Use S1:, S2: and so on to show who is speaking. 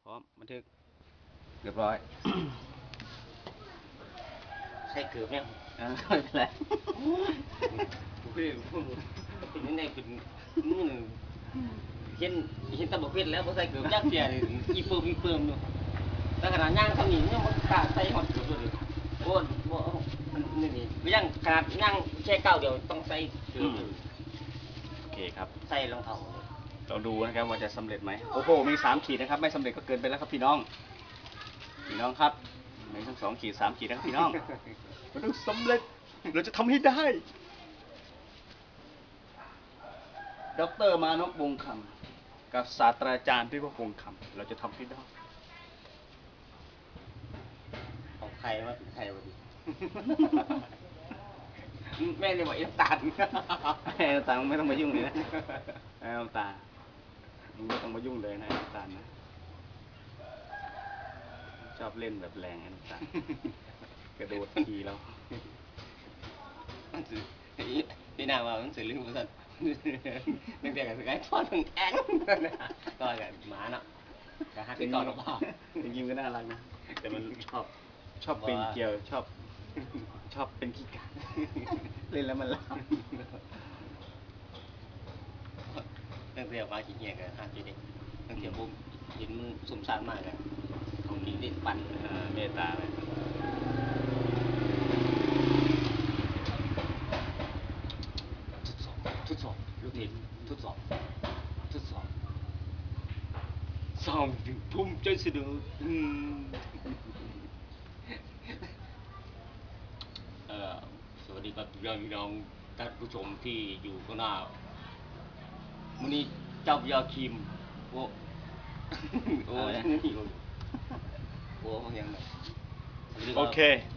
S1: ร้อมบันทึก
S2: เรียบร้อย
S1: ใส่เกือบเนี่ย
S2: ไม่เป็นไร
S1: เป็นยังไงเป็นนู่นเห็นตะบกเพชรแล้วพอใส่เกือบยักษ์เสียเลยอีเปิมอยู่แต่ขนาดย่างเขาหนีเนี่ยมันกาใส่หอดเกือบเลยโอ้โหนี่ก็ย่างขนาดย่างแค่ก้าวเดียวต้องใส่เกือบ
S2: โอเคครับ
S1: ใส่รองเท้า
S2: เราดูนะครับว่าจะสำเร็จไหมโอ้โหมี3 ขีดนะครับไม่สำเร็จก็เกินไปแล้วครับพี่น้องครับมีทั้ง2 ขีด 3 ขีดนะครับพี่น้องมันต้องสำเร็จเราจะทำให้ได้ดร.มานพวงศ์คำกับศาสตราจารย์พิภพวงศ์คำเราจะทำให้ได้
S1: ของใครว่าเป็นใครวะดิแม่เนี่ยบอกไอ้ตาล
S2: ไอ้ตาลไม่ต้องมายุ่งเลยนะไอ้ตาไม่ต้องมายุ่งเลยนะน้ำตาลนะชอบเล่นแบบแรงไอ้น้ำตาลกระโดดทีแล้ว
S1: พี่นาว่ามันสื่อเรื่องภาษานึกแต่กับสกายทอดถึงแองก็แบบหมาเนาะกับฮักที่ก่อนหรือเปล่า
S2: จริงๆก็น่ารักนะแต่มันชอบเป็นเกี่ยวชอบเป็นขี้กาเล่นแล้วมันล้า
S1: ตั้งแต่ว่าขี้เกียจกันฮักเด็กตั้งแต่ผมเห็นมันสมสารมากเลยของกินได้ปั่น
S2: เมตตาเลย
S1: ทดสอบลูกเห็นทดสอบสองถึงภูมิใจเสนอสวัสดีครับพี่น้องท่านผู้ชมที่อยู่ข้างหน้ามื้อนี้เจ้าพญาคิมโอ้โอ้ยังไง
S2: โอเค